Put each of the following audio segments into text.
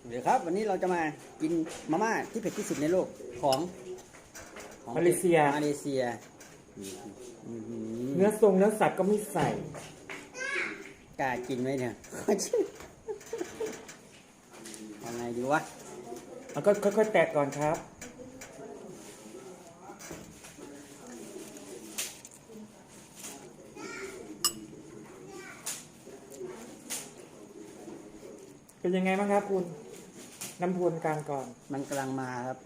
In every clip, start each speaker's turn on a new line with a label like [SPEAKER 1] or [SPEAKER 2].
[SPEAKER 1] เดี๋ยวครับวันนี้เราจะมากินมาม่าที่เผ็ดที่สุดในโลกของ
[SPEAKER 2] มาเลเซียเนื้อทรงเนื้อสัตว์ก็ไม่ใส่
[SPEAKER 1] กล้ากินไหมเนี่ยยังไงดีวะ
[SPEAKER 2] แล้วก็ค่อยๆแตกก่อนครับเป็นยังไงบ้างครับคุณน้ำพวนกลางก่อน
[SPEAKER 1] มันกำลังมาครับ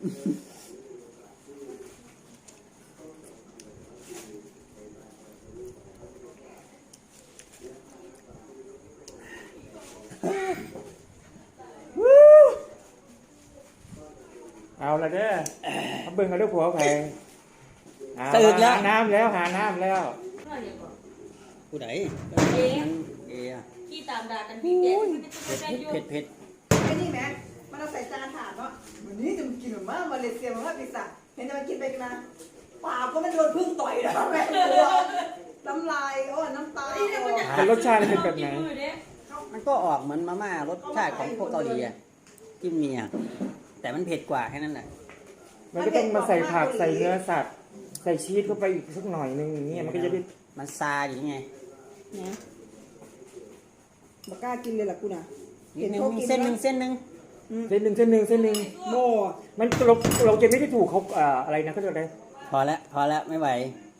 [SPEAKER 2] เอาละเด้อเขาเบิ่งกันด้วยผัวแพง
[SPEAKER 1] ตื่นแล้ว
[SPEAKER 2] หาน้ำแล้ว
[SPEAKER 1] ผู้ใดเอ
[SPEAKER 3] ที่ตามด่ากันพี่เด็ก
[SPEAKER 1] เผ็ด
[SPEAKER 4] ไอ้นี่แม่มันเราใส่จานถาดเนาะวันนี้จะมากินแบบมาเลเซียมาพิซซ่าเห็นจะมากินไปกันนะปากก็มันโดนพึ่งต่อยนะแม่ตัวน้ำลายน้ำตา
[SPEAKER 2] แต่รสชาติเป็นแบบไหน
[SPEAKER 1] มันก็ออกเหมือนมาม่ารสชาติของพวกเกาหลีจิ้มเมียแต่มันเผ็ดกว่าแค่นั้นแหละ
[SPEAKER 2] มันก็ต้องมาใส่ผักใส่เนื้อสัตว์ใส่ชีสเข้าไปอีกสักหน่อยนึงอย่างเงี้ยมันก็จะได้
[SPEAKER 1] มันซาอย่างไง
[SPEAKER 4] นะบอกกล้ากินเลยล่ะกูนะ
[SPEAKER 1] เส้นหนึ่ง
[SPEAKER 4] โม่
[SPEAKER 2] มันเราจะไม่ได้ถูกเขาอะไรนะเขาจะอะไร
[SPEAKER 1] พอแล้วไม่ไหว